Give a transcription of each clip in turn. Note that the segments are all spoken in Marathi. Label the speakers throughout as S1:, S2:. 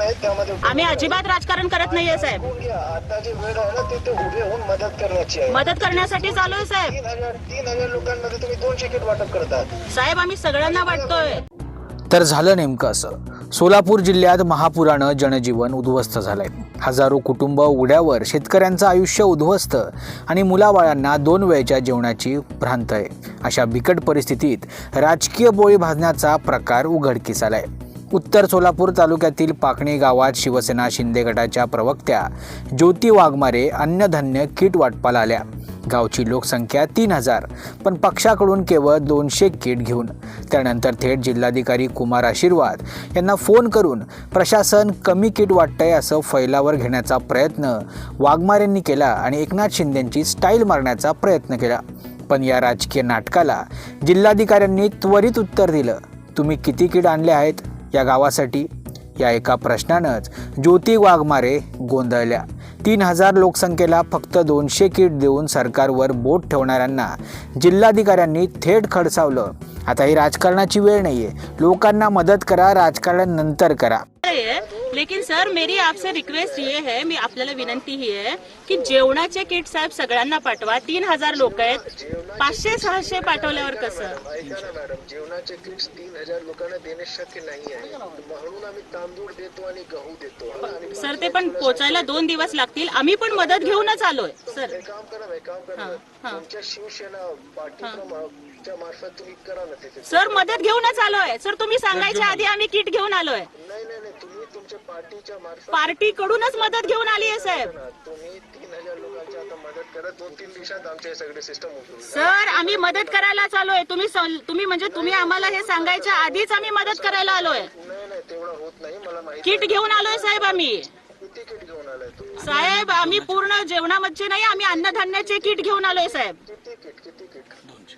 S1: आहे त्यामध्ये
S2: आम्ही अजिबात राजकारण करत नाहीये साहेब.
S1: आता जी वेळ आहे ना तिथे उभे होऊन मदत करण्याची आहे.
S2: मदत करण्यासाठी चालू आहे साहेब.
S1: 3,000 लोकांमध्ये तुम्ही 200 किट वाटप करतात
S2: साहेब. आम्ही सगळ्यांना वाटतोय.
S3: तर झालं नेमकं असं. सोलापूर जिल्ह्यात महापुरानं जनजीवन उद्ध्वस्त झालंय. हजारो कुटुंब उघड्यावर, शेतकऱ्यांचं आयुष्य उद्ध्वस्त आणि मुलाबाळांना 2 वेळच्या जेवणाची भ्रांत आहे. अशा बिकट परिस्थितीत राजकीय पोळी भाजण्याचा प्रकार उघडकीस आलाय. उत्तर सोलापूर तालुक्यातील पाकणी गावात शिवसेना शिंदे गटाच्या प्रवक्त्या ज्योती वाघमारे अन्नधान्य किट वाटपाला आल्या. गावची लोकसंख्या 3,000, पण पक्षाकडून केवळ 200 किट घेऊन. त्यानंतर थेट जिल्हाधिकारी कुमार आशीर्वाद यांना फोन करून प्रशासन कमी किट वाटतंय असं फैलावर घेण्याचा प्रयत्न वाघमारेंनी केला आणि एकनाथ शिंदेंची स्टाईल मारण्याचा प्रयत्न केला. पण या राजकीय नाटकाला जिल्हाधिकाऱ्यांनी त्वरित उत्तर दिलं. तुम्ही किती किट आणले आहेत या गावासाठी? या एका प्रश्नानंच ज्योती वाघमारे गोंधळल्या. 3,000 लोकसंख्येला फक्त 200 किट देऊन सरकारवर बोट ठेवणाऱ्यांना जिल्हाधिकाऱ्यांनी थेट खडसावलं. आता ही राजकारणाची वेळ नाहीये. लोकांना मदत करा, राजकारण नंतर करा.
S2: लेकिन सर मेरी आपसे रिक्वेस्ट ये है, मी आपल्याला विनंती ही आहे की जेवणाचे किट साहेब सगळ्यांना पाठवा. 3,000 लोक आहेत. 500-600 पाठवल्यावर कसं?
S1: ऐका ना मॅडम, जेवणाचे किट्स 3,000 लोकांना देणे शक्य नाही आहे. म्हणून आम्ही तांदूळ देतो आणि गहू देतो.
S2: सर ते पण पोचायला 2 दिवस लागतील. आम्ही पण मदत घेऊनच आलोय सर.
S1: काम करा तुमच्या शिवसेना पार्टीच्या मार्फत तुम्ही करा ना तिथे.
S2: सर मदत घेऊनच आलोय सर. तुम्ही सांगायच्या आधी आम्ही किट घेऊन आलोय.
S1: नाही तुम्ही तुमच्या पार्टीच्या मार्फत
S2: पार्टी कडूनच मदत घेऊन आली आहे साहेब.
S1: तुम्ही 3,000 लोकांची आता मदत करा. 2-3 दिवसात आमचे हे सगळे सिस्टम होईल.
S2: सर आम्ही मदत करायला आलोय. तुम्ही म्हणजे तुम्ही आम्हाला हे सांगायच्या आधीच आम्ही मदत करायला आलोय.
S1: नाही तेवढं होत नाही मला माहिती.
S2: किट घेऊन आलोय साहेब आम्ही.
S1: किती किट घेऊन आलाय तुम्ही?
S2: साहेब आम्ही पूर्ण जेवणामध्ये नाही, आम्ही अन्नधान्याचे किट घेऊन आलोय साहेब.
S1: किती किट?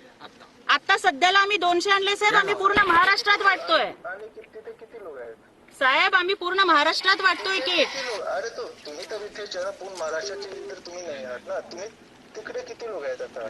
S2: आता सध्याला आम्ही 200 आणले साहेब. आम्ही पूर्ण महाराष्ट्रात वाटतोय.
S1: आणि किती लोक आहेत
S2: साहेब? आम्ही पूर्ण महाराष्ट्रात वाटतोय किट.
S1: अरे तुम्ही तर इथे पूर्ण महाराष्ट्राचे तर तुम्ही नाही आहात ना. तुम्ही तिकडे किती लोक आहेत आता?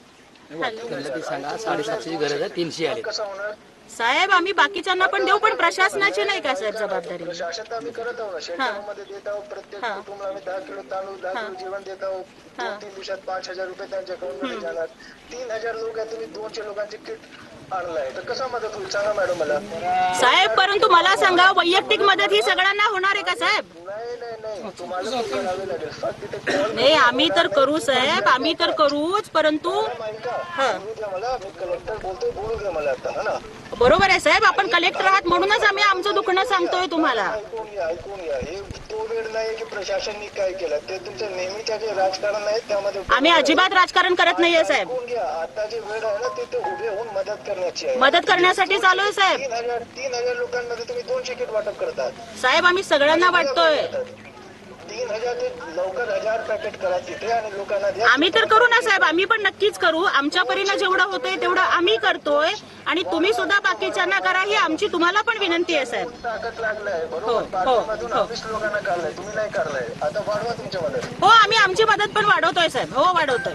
S4: सांगा 750ची गरज आहे. 300 आले.
S1: कसं होणार
S2: साहेब? आम्ही बाकीच्यांना पण देऊ, पण प्रशासनाची नाही का साहेब जबाबदारी?
S1: प्रशासन तर आम्ही करत आहोत. शेतकऱ्यांमध्ये देत आहोत. प्रत्येक कुटुंबाला आम्ही 10 किलो तांदूळ 10 किलो जेवण देत आहोत. 2-3 दिवसात 5,000 रुपये त्यांच्या अकाउंटमध्ये जाणार. 3,000 लोक आहेत. तुम्ही 200 लोकांचे किट आणलाय तर कसा मदत होईल सांगा मॅडम मला.
S2: साहेब परंतु मला सांगा, वैयक्तिक मदत ही सगळ्यांना होणार आहे का साहेब?
S1: नाही तुम्हाला पण करावे लागेल. तिथे कॉल
S2: नाही आम्ही तर करू साहेब, आम्ही तर करूच, परंतु
S1: बोलू द्या मला. मी कलेक्टर बोलतोय, बोलू द्या मला आता. हा ना
S2: बरोबर आहे साहेब. आपण कलेक्टर आहात म्हणूनच आम्ही आमचं दुखणं सांगतोय तुम्हाला.
S1: ऐकून घ्या. हे तो वेळ नाही की प्रशासनाने काय केलं. ते तुमचं नेहमीच्या जे राजकारण आहे त्यामध्ये
S2: आम्ही अजिबात राजकारण करत नाहीये साहेब.
S1: ऐकून घ्या. आता जी वेळ आहे ना तिथे उभे होऊन मदत करण्याची आहे.
S2: मदत करण्यासाठी चालू आहे साहेब.
S1: 3,000 लोकांमध्ये तुम्ही 200 किट वाटप करतात.
S2: साहेब आम्ही सगळ्यांना वाटतोय.
S1: 3,000 ते लवकर 1,000 पॅकेट करा तिथे आणि लोकांना द्या.
S2: आम्ही तर करू ना साहेब. आम्ही पण नक्कीच करू. आमच्या परीने जेवढं होतंय तेवढं आम्ही करतोय आणि तुम्ही सुद्धा बाकीच्यांना करा ही आमची तुम्हाला पण विनंती आहे साहेब.
S1: ताकद लागलाय बरोबर. पाठीमधून 20 लोकांना काढलाय. तुम्ही नाही काढलाय. आता वाढवा तुमच्या मदत.
S2: हो आम्ही आमची मदत पण वाढवतोय साहेब. हो वाढवतोय.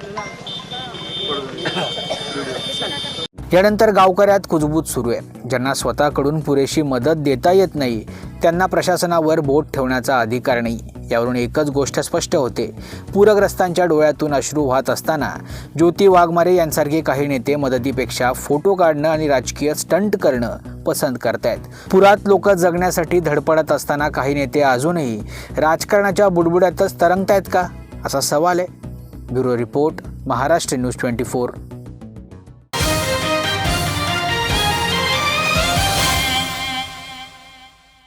S3: यानंतर गावकऱ्यात कुजबूज सुरू आहे. ज्यांना स्वतःकडून पुरेशी मदत देता येत नाही त्यांना प्रशासनावर बोट ठेवण्याचा अधिकार नाही. यावरून एकच गोष्ट स्पष्ट होते. पूरग्रस्तांच्या डोळ्यातून अश्रू वाहत असताना ज्योती वाघमारे यांसारखे काही नेते मदतीपेक्षा फोटो काढणं आणि राजकीय स्टंट करणं पसंत करतायत. पुरात लोक जगण्यासाठी धडपडत असताना काही नेते अजूनही राजकारणाच्या बुडबुड्यातच तरंगतायत का, असा सवाल आहे. Bureau report, Maharashtra news 24.